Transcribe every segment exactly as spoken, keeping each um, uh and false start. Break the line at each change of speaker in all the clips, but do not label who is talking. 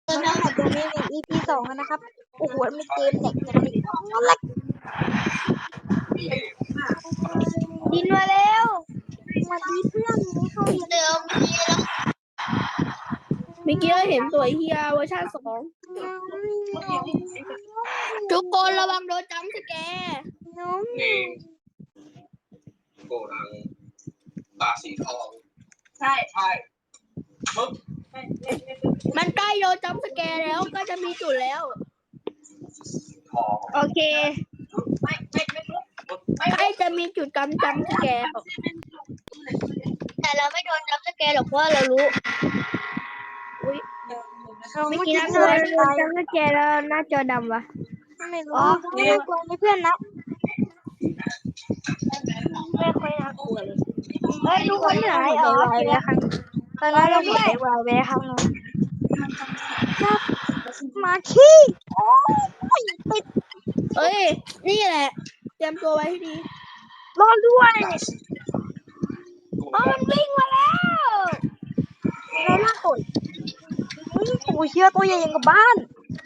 มาเล่นแบบโดเมน อี พี สองกันนะครับโอ้โหมีเกมแหลกจังเลยแหลก
ดินมาแล้ว
มาดีเพื่อนนี้เข้าเรียน
เดี๋ยวเมื่อกี้เราเห็นตัวเฮียเวอร์ชันสองทุกคนระวังโดนจัมป์สแกร์
น้อง
นี่โกดังตาสีทองใช่ใช่ปึ๊บ
มันใกล้โดนจัมป์สแกร์แล้วก็จะมีจุดแล้ว
ทอง
โอเค
ไม่ไม่ไม่ปึ๊บไม่
ใกล้จะมีจุดกำจัมป์สแกร์แต่เราไม่โดนจัมป์สแกร์หรอกเพราะเรารู้อุ้ย
เอา
เมื่อ
เมื่อ
กี้
กี้
นะ
โด
โดน
นตาย
จัมป์สแกร์แล้วหน้าจอดำวะ
ไม่รู้ไม่รู้กลัวไม่เพื่อนนะ
ไม่ค่อยน่ากลัวเลยเฮ้ยทุกคนหายเหรอ
วายไปครั้งตอนนั้นเราหมดไปวายไปครั้งนึงมาขี้โอ้ยติด
เฮ้ยนี่แหละเตรียมตัวไว้ให้ดี
รอด้วย
อ๋อมันวิ่งมาแล้ว
เราล่าตุ่ยอุ้ยโอ้ยเชื่อตัวใหญ่ยังกับบ้าน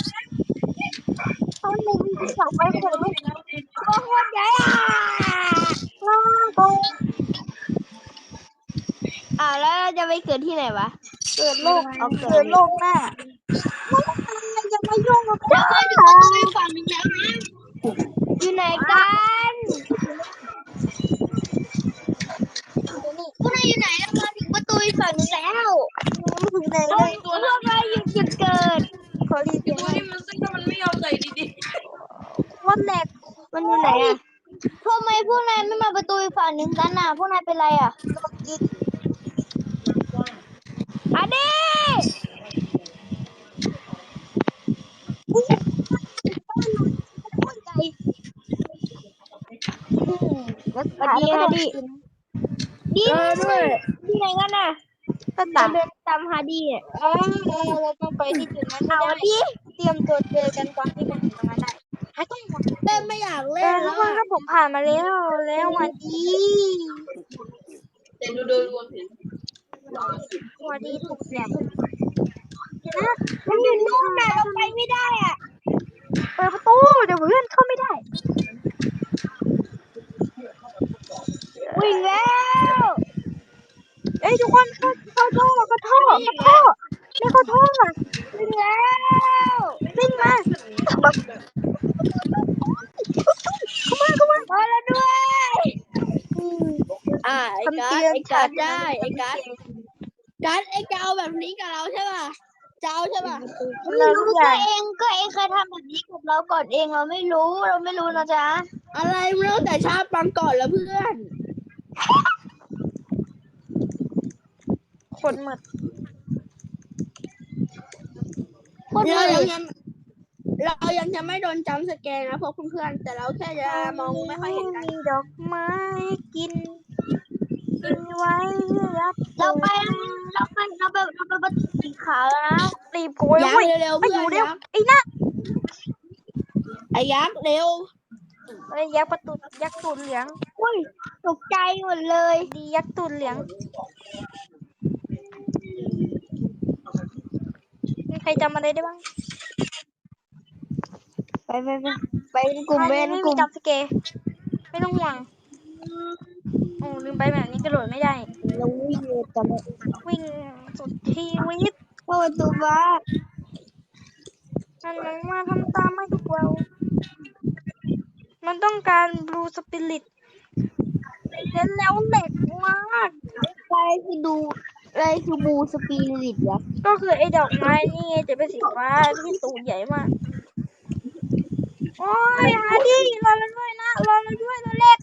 ตอนนี้มีสาวไปคนลูก
ตัวโคตรใหญ่อ่ะ
ล่าตัว
อ่าแล้วจะไปเกิดที่ไหนวะ
เกิดโลกเกิดโลกหน้าไม่อะไรจะมายุ่งกับ
เรา
ข้า
ไปถึงประตูอีกฝั่งหนึงแล้วนะอยู่ไหนกันพวกนายอยู่ไหนแล้วมาถึงประตูอีกฝั่งหนึงแล้ว
ไม่ถึงไหน
ตร
เล
ง
ย
พวกเราอยู่จุดเกิด
ขอรีเสียงหน่อย
นี่มันซึ่งถ้ามันไม่ยอมใส่ดี
วันแรก
มันอยู่ไหนอ่ะทำไมพวกนายไม่มาประตูอีกฝั่งหนึงกันน่ะพวกนายเป็นไรอ่ะ
โดนกิน
อันนี้
อุ้ยบ้านเราโคตรใหญ่อืมแล้วสุดท้ายแล้วก็โดนกิน
ดีด้วยที่ไหนกันน่ะ
ก็
เรา
ตาม
เดินตามฮาร์ดี้อ่ะ
เอ้ยเราต้องไปที่จุดนั้นไม่
เอา
ได้
ดิ
เตรียมตัวเจอกันตอนที่มันถึงตรงนั้นได้หายต้องหมด
เล่นไม่อยาก
เอ
เล่
อน ทุ
แล้
ก
ว
คน
อ่ะ
ถ้าผมผ่านมาแล้วแล้วหวัดดี
ๆแต่ดูโดยรวมเห็น
หวัดดีถูกแหลมนะ
มันอยู่นู่นน่ะเราไปไม่ได้อ่ะ
เปิดประตูเดี๋ยวเพื่อนเข้าไม่ได้
วิ่งแล้ว
เอ้ยทุกคนเข้าเข้าท่อเข้าท่อเข้าท่อไม่เข้าท่ออ่ะ
วิ่งแล้ว
วิ่งมาเข้ามาเข้ามา
มาแล้วด้วย
อืม
อ่าไอ้การ์ดไอ้การ์ดได้ไอ้การ์ดการ์ดไอ้จะเอาแบบนี้กับเราใช่ป่ะจะเอาใช่ป่ะ
เรา
รู้
ทุกอ
ก็
ย่าง
เองก็เองเคยทำแบบนี้กับเราก่อนเองเราไม่รู้เราไม่รู้นะจ๊ะอะไรไม่รู้แต่ชาติปังก่อนแล้วเพื่อน
คนหมด
เรายังยังเรายังจะไม่โดนจัมป์สแกนนะพวกเพื่อนๆแต่เราแค่จะมองไม่ค่อยเห็นกัน
มีดอกไม้กินกินไว้รับ
เราไปเราไปเราไปเราไปประตูสีขาวแล้วนะ
รีบโกย
ยัก
เว้ย
ษ์เร็วๆ
ไอ้
เพื่
อ
อน
ยู่เร็ว
ยักษ์
ไอ้น่ะ
ไอ้ยักษ์เร็ว
เอ้ยยักษ์ประตูยักษ์ตูดเหลือง
อุ้ยตกใจหมดเลย
ดียักษ์ตูดเหลืองมีใครจำอะไรได้บ้าง
ไปไปไปไปกลุ่ม
อัน
เบ
นี้
น
ไม่
ก
มี
ลุ่ม
จับสเกร์ไม่ต้องห่วงโอ้ลืมไปแบบนี้กระโดดไม่ได้
เราวิ่งเลยตอนนี้
วิ่งสุดชีวิต
เข้าประตูบ้าน
มันมองมาทำตามให้ทุกเรา มันต้องการบลูสปิริตเล่นแล้วเหล็กมาก
อะไรคือดูอะไรคือบูสปีริตวะ
ก็คือไอ้ดอกไม้นี่ไงจะเป็นสีฟ้าที่ตูดใหญ่มาก โอ้ยฮาร์ดี้รอเราด้วยนะรอเราด้วยเราเล็ก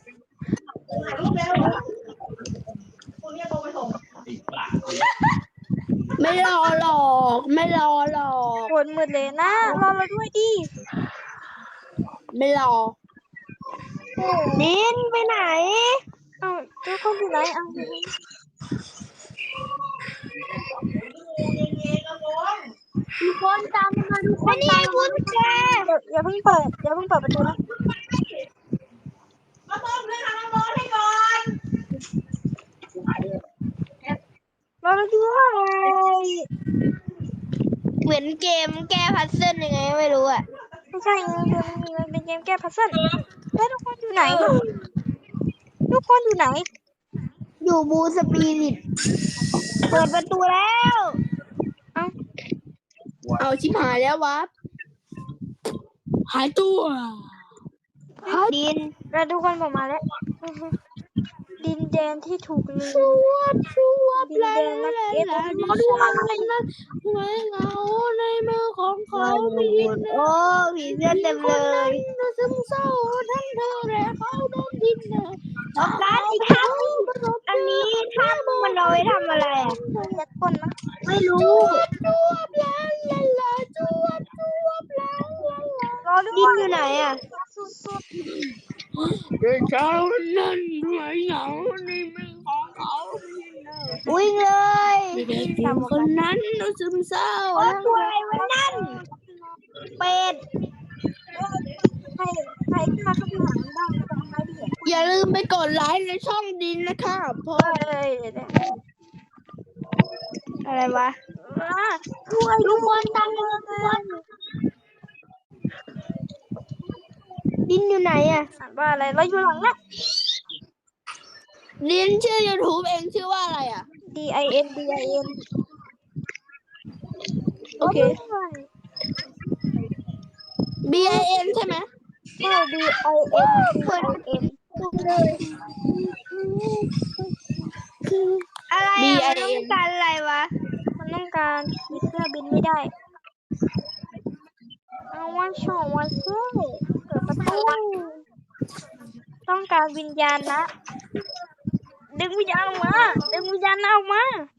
ไม่รอหรอกไม่รอหรอก
ปวดมือเลยนะรอเราด้วยดิ
ไม่รอ
โอ้
ดินไปไหน
เอาทุกคนอยู่ไหนเอา
ทุกคนตามมาทุกคนนี่บุญแจ
เดี๋ยวอย่าเพิ่งเปิดอย่าเพิ่งเปิดประตูนะ
มาต้มเลยค่ะน้ำร้อนให้ก่อน
รอเราด้วย
เหมือนเกมแก้พัซเซิลยังไงไม่รู้อ่ะ
ไม่ใช่เกมนี้มันเป็นเกมแก้พัซเซิลแล้วทุกคนอยู่ไหนทุกคนอยู่ไหน
อยู่บูสปีริตเปิดประตูแล้ว
เอ้า
เอาชิบหายแล้ววับหายตัวดิน
แล้วทุกคนผมมาแล้วอื้อหือดินแดนที่ถูกลื
ช
ม
วบชวบ
ดินแดนนักเก็ต
ลา
มาดูอะไร
ไว้เงาในมือของเขาไม่ยินโอ้ผีเสื้อเต็มเลยซึมเศร้าทั้งเธอและเขาโดนดินเลยออกการอีกครั้งอันนี้ถ้ามันเอาไว้ทำอะไรอ่ะ
ยัดก้นนะ
ไม่รู้จวบลาลาลาจวบจวบลาลาลาร
อด้
ดิ
วน ย
อยู่ไหนอ่ะ
สุด
เด็กเช้านั้นไว้เหงาในมือของเขาวิ่งเลยเด็กหญิงคนนั้นดูซึมเศร้าตัวอะไรวะนั่นเป็ด
ๆให้ให้ข้าเข้าไปหามันบ้างจะทำไมดีอ่ะ
อย่าลืมไปกดไลค์ในช่องดินนะครับเพราะ
เอ้ยเดี๋ยว
อะไรวะ
ๆอ่ะช่วย
ทุกคนตามมาดินอยู่ไหนอ่ะ
อ่านว่าอะไรเราอยู่หลังนะ
ดินชื่อ YouTube เองชื่อว่าอะไรอ่ะ
D I N D I N
โอเค B I N ใช่ไหม
ใช่ D I N D I N
อะไรอ่ะมันต้องการอะไรวะ
มันต้องการผีเสื้อบินไม่ได้ เอาว่าชอบว่าเซ่เปิดประตูต้องการวิญญาณนะ ดึงวิญญาณออกมา ดึงวิญญาณออกมา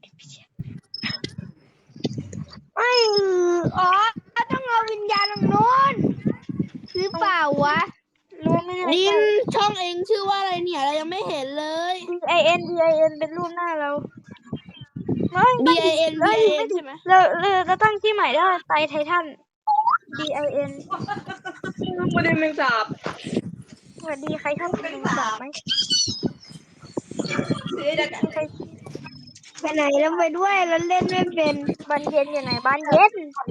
ไม่อ๋อต้องเอาวิญญาณตรงนู้นหรือเปล่าวะ
รู้ไหมเนี่ย
ดินช่องเองชื่อว่าอะไรเนี่ยเรายังไม่เห็นเลย
D I N D I N เป็นรูปหน้าเราไม่
B I N B
ไม่
I
ไม่
N ใช่ไหม
เราเราเราตั้งชื่อใหม่ได้ไตไททัน D I N
ประเด็นแมงสาบ
สวัสดีใครชอบกินแมงสาบไหมใคร
ไปไหนแล้วไปด้วยแล้วเล่นไม่เป็น
บ้านเย็นอยู่ไหนบ้านเย็น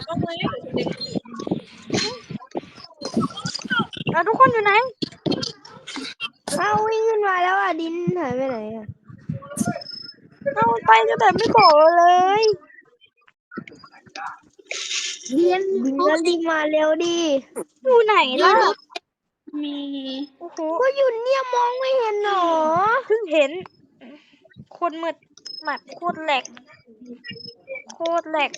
เราทุกคนอยู่ไหน
เอาวิ่งขึ้นมาแล้วอ่ะดินหายไปไหนอ่ะ
เอาไปก็แต่ไม่บอกเราเลย
ดินดินก็รีบมาเร็วดิ
อยู่ไหนล่ะ
มี
โอ้โห
ก็อยู่เนี่ยมองไม่เห็นหรอ
เพิ่งเห็นโคตรมืดหมัดโคตรแหลกโคตรแหลก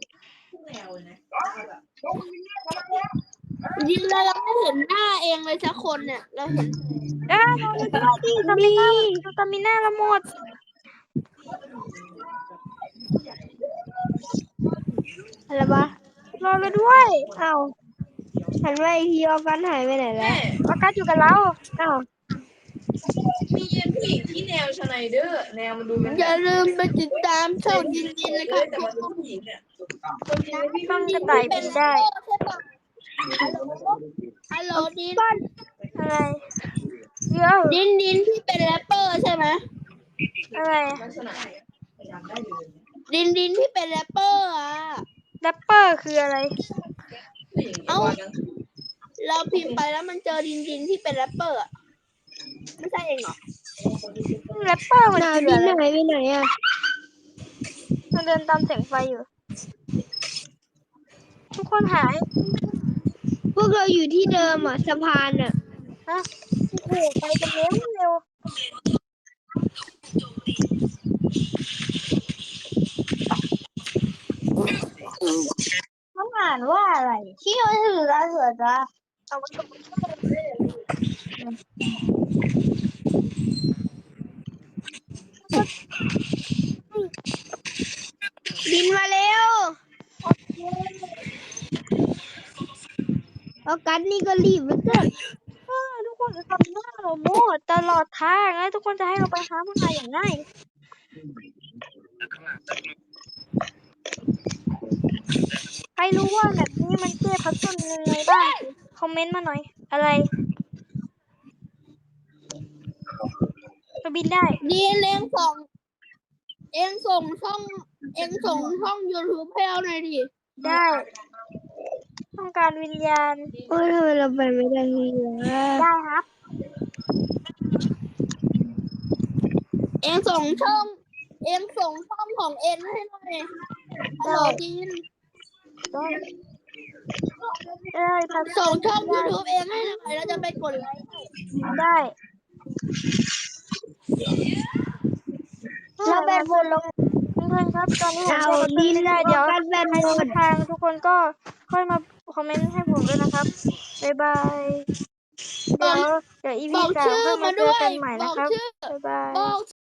ดินเรายังไม่เห็นหน้าเองเลยสักคนเนี่ยเราเห็น
ได้เราเลยก็ได้ดิสตามิน่าสตามิน่าละหมด
อะไรวะ
รอเราด้วย
เอ้าหันไปอีกทีออกันหายไปไหนแล้ว
อากาศอยู่กับเรา
เอ้า
มีเย็นผู้หญิงที่แนวชไนเดอร์แนวมันดูมัน
อย่าลืมไปติดตามช่องดินดินเลยครับ
แต่มันเป็นผู้หญิงเนี่ย
ต้องกระต่ายบินได้
ฮัลโหลดิน
อะไรเดี๋ยว
ดินดินที่เป็นแรปเปอร์ใช่ไหม
อะไร
ลักษณะเนี่ยพยายามได้เลย
ดินดินที่เป็นแรปเปอร์อ่ะ
แรปเปอร์คืออะไร
เอ้า เราพิมพ์ไปแล้วมันเจอดินดินที่เป็นแรปเปอร์อะไม่ใช่เองเหรอ
แรปเปอร์มันคืออะไร
ไหนไปไหนอ่ะ
มันเดินตามแสงไฟอยู่ ทุกคนหาย
พวกเราอยู่ที่เดิมอ่ะสะพานอ่ะ
ฮะโอ้โหไปกันเร็วเร็ว
ต้องอ่านว่าอะไรที่มันถืออะไรเหรอจ๊ะ
เอาไว้ตรงนี้
ดินมาเร็วเอากันนี่ก็รีบเหลือเกิน
อ่าทุกคนจะทำหน้าเราโม่ตลอดทางนะทุกคนจะให้เราไปหาผู้ชายอย่างง่าย ใครรู้ว่าแบบนี้มันแก้พัซเซิลยังไงบ้าง คอมเมนต์มาหน่อย อะไรจะบินได้
ดินเองส่งเองส่งช่องเองส่งช่อง YouTube ให้เราหน่อยดิ
ได้ ต้องการวิญญาณ
โอ้ยทำไมเราไปไม่ได้ทีวะ
ได้ครับ
เองส่งช่อง เองส่งช่องของเองให้หน่อยฮัลโหลจีน
ได้เอ้ยพัด
ส่งช่อง YouTube เองให้หน่อยแล้วจะไปกดไลค์ให้
ได้
เราเป็นบนลง
เพื่อนๆครับ ตอนนี้ผม
เอา
ใช้บัตเตอ
ดิ
ร์
น
ไม่ได้ เดี๋ยว
กันแบน
ใคร
หม
รู้
ด
ทางทุกคนก็ค่อยมาคอมเมนต์ให้ผมด้วยนะครับ บ๊ายบาย เดี๋ยว เดี๋ยว อี
บ
พี
อก
สาม
ชื่อ
ค่อยมา
มา
เจ
ด้
อ
วย
กันใหม่
บ
นะ
อก
ครับ
ชื่อ
บ๊ายบาย
บอก